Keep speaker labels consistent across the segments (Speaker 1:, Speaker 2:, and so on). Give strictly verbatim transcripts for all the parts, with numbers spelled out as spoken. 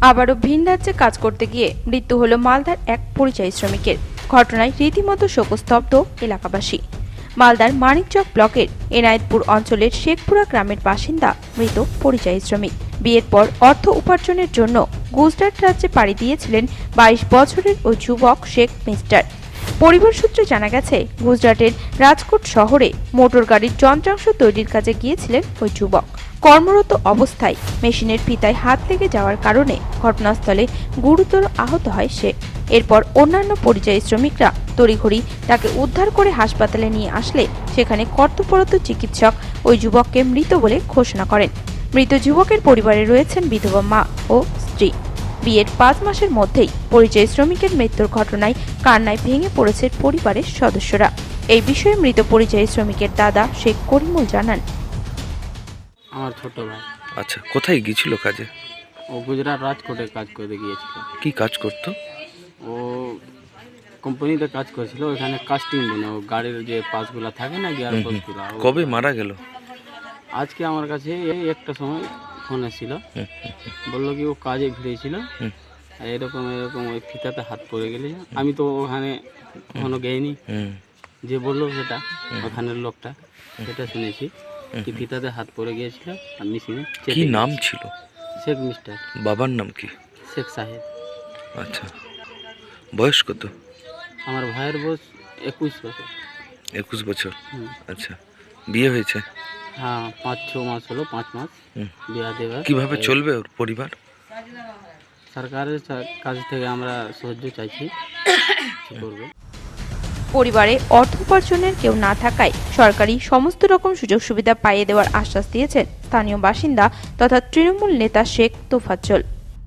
Speaker 1: আবারও ভিন রাজ্যে কাজ করতে গিয়ে মৃত্যু হল মালদার এক পরিযায়ী শ্রমিকের। ঘটনায় রীতিমতো শোকস্তব্ধ এলাকাবাসী। মালদার মানিকচক ব্লকের এনায়েতপুর অঞ্চলের শেখপুরা গ্রামের বাসিন্দা মৃত পরিযায়ী শ্রমিক। বিয়ের পর অর্থ উপার্জনের জন্য গুজরাট রাজ্যে পাড়ি দিয়েছিলেন বাইশ বছরের ওই যুবক শেখ মিস্টার। পরিবার সূত্রে জানা গেছে, গুজরাটের রাজকোট শহরে মোটর গাড়ির যন্ত্রাংশ তৈরির কাজে গিয়েছিলেন ওই যুবক। কর্মরত অবস্থায় মেশিনের ফিতায় হাত লেগে যাওয়ার কারণে ঘটনাস্থলে গুরুতর আহত হয় সে। এরপর অন্যান্য পরিযায়ী শ্রমিকরা তড়িঘড়ি তাকে উদ্ধার করে হাসপাতালে নিয়ে আসলে সেখানে কর্তব্যরত চিকিৎসক ওই যুবককে মৃত বলে ঘোষণা করেন। মৃত যুবকের পরিবারে রয়েছেন বিধবা মা ও স্ত্রী। বিয়ের পাঁচ মাসের মধ্যেই পরিযায়ী শ্রমিকের মৃত্যুর ঘটনায় কান্নায় ভেঙে পড়েছে পরিবারের সদস্যরা। এই বিষয়ে মৃত পরিযায়ী শ্রমিকের দাদা শেখ করিমুল জানান,
Speaker 2: আমার ছোট ভাই।
Speaker 3: আচ্ছা, কোথায় গিয়েছিল কাজে?
Speaker 2: ও গুজরাট রাজকোটে কাজ করতে গিয়েছিল।
Speaker 3: কি কাজ করতো?
Speaker 2: ও কোম্পানিতে কাজ করেছিল, ওখানে কাস্টিং বনে ও গাড়ির যে পাসগুলো থাকে না, গিয়ার পাসগুলো।
Speaker 3: কবে মারা গেল?
Speaker 2: আজকে আমার কাছে এই একটা সময় ফোন এসেছিল, বললো কি ও কাজে ভিড়েছিল, এরকম এরকম ওই ফিতাতে হাত পড়ে গেলে। আমি তো ওখানে কখনো গেইনি, যে বললো সেটা ওখানের লোকটা সেটা শুনেছি কি ফিতাতে হাত পড়ে গিয়েছিল আর মেশিনে।
Speaker 3: কি নাম ছিল?
Speaker 2: শেখ মিস্টার।
Speaker 3: বাবার নাম কি?
Speaker 2: শেখ সাহেব।
Speaker 3: আচ্ছা, বয়স কত?
Speaker 2: আমার ভাইয়ের বয়স একুশ বছর।
Speaker 3: একুশ বছর। আচ্ছা, বিয়ে হয়েছে?
Speaker 2: হ্যাঁ, পাঁচ ছ মাস হলো, পাঁচ মাস বিয়া দেওয়া।
Speaker 3: কিভাবে চলবে ওর পরিবার?
Speaker 2: সরকারের কাছ থেকে আমরা সাহায্য চাইছি, করবে।
Speaker 1: পরিবারে অর্থ উপার্জনের কেউ না থাকায় সরকারি সমস্ত রকম সুযোগ সুবিধা পাইয়ে দেওয়ার আশ্বাস দিয়েছেন স্থানীয় বাসিন্দা তথা তৃণমূল নেতা শেখ তোফাজ্জল।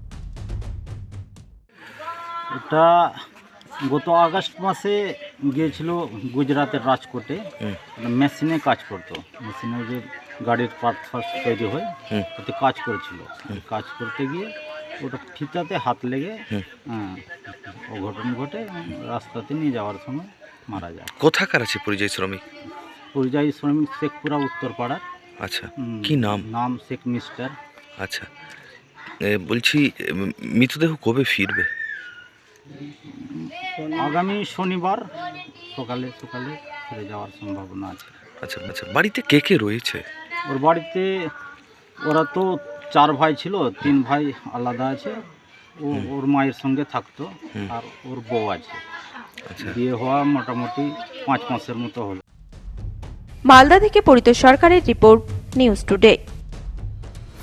Speaker 4: এটা গত আগস্ট মাসে গিয়েছিল গুজরাটের রাজকোটে, মেশিনে কাজ করতো। মেশিনে যে গাড়ির পার্ট ফার্স্ট তৈরি হয় ওতে কাজ করেছিল। কাজ করতে গিয়ে ওটা ফিতাতে হাত লেগে অঘটন ঘটে, রাস্তাতে নিয়ে যাওয়ার সময় মারা যায়।
Speaker 3: কোথাকার আছে পরিযায়ী শ্রমিক?
Speaker 4: পরিযায়ী শ্রমিক শেখপুরা উত্তরপাড়ার।
Speaker 3: আচ্ছা, কি নাম?
Speaker 4: নাম শেখ মিস্টার।
Speaker 3: আচ্ছা, বলছি মৃতদেহ কবে ফিরবে?
Speaker 4: আগামী শনিবার সকালে সকালে ফিরে যাওয়ার সম্ভাবনা আছে।
Speaker 3: আচ্ছা আচ্ছা, বাড়িতে কে কে রয়েছে?
Speaker 4: ওর বাড়িতে ওরা তো চার ভাই ছিল, তিন ভাই আলাদা আছে। ও ওর মায়ের সঙ্গে থাকতো, আর ওর বউ আছে। বিয়ে হওয়া মোটামুটি পাঁচ মাসের মতো হলো।
Speaker 1: মালদা থেকে পরিত সরকারের রিপোর্ট, নিউজ টুডে।